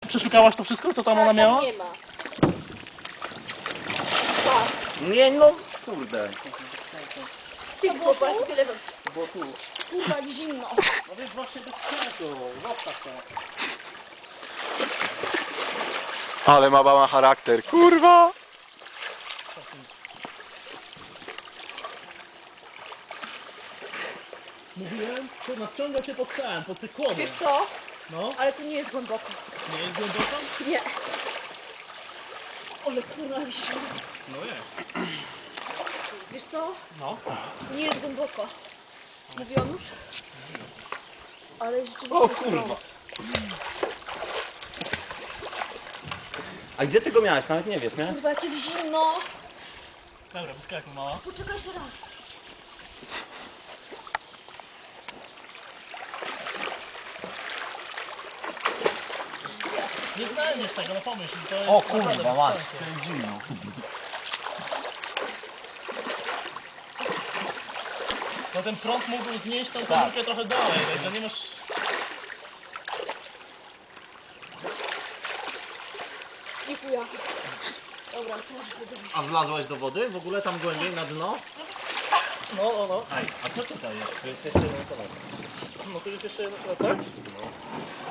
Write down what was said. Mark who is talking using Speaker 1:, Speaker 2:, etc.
Speaker 1: Przeszukałaś to wszystko, co tam ona miała?
Speaker 2: Nie ma.
Speaker 3: Nie no, kurde.
Speaker 2: Z tych chłopaków tyle...
Speaker 1: Bo tu.
Speaker 2: Kurwa, jak zimno.
Speaker 1: No więc właśnie bez sensu. Zostaw to.
Speaker 4: Ale ma mama charakter, kurwa!
Speaker 1: Mówiłem, to nadciąga cię pod ten, pod te kłody.
Speaker 2: Wiesz co?
Speaker 1: No,
Speaker 2: Ale tu nie jest głęboko.
Speaker 1: nie jest głęboko?
Speaker 2: Nie. Ale kurwa, jak zimno.
Speaker 1: No jest.
Speaker 2: Wiesz co?
Speaker 1: No.
Speaker 2: Tu nie jest głęboko. Mówiłam już? Ale rzeczywiście
Speaker 3: O
Speaker 2: jest
Speaker 3: kurwa.
Speaker 2: prąd.
Speaker 3: A gdzie ty go miałeś? Nawet nie wiesz, nie?
Speaker 2: Kurwa, jak jest zimno.
Speaker 1: Dobra, wyskakuj mała.
Speaker 2: Poczekaj jeszcze raz.
Speaker 1: Nie znajdziesz tego, no pomyśl. To jest
Speaker 3: O
Speaker 1: naprawdę
Speaker 3: kurwa,
Speaker 1: bez
Speaker 3: masz,
Speaker 1: sensu.
Speaker 3: to jest zimno.
Speaker 1: No ten prąd mógł znieść tą
Speaker 3: Tak.
Speaker 1: komórkę trochę dalej, także nie masz...
Speaker 2: Nie chuja. Dobra, to możesz go dobić.
Speaker 3: A wlazłaś do wody? W ogóle tam głębiej na dno?
Speaker 1: No, no, no.
Speaker 3: Ej, a co tutaj jest? To jest jeszcze jeden kolor.
Speaker 1: No to jest jeszcze jeden, tak?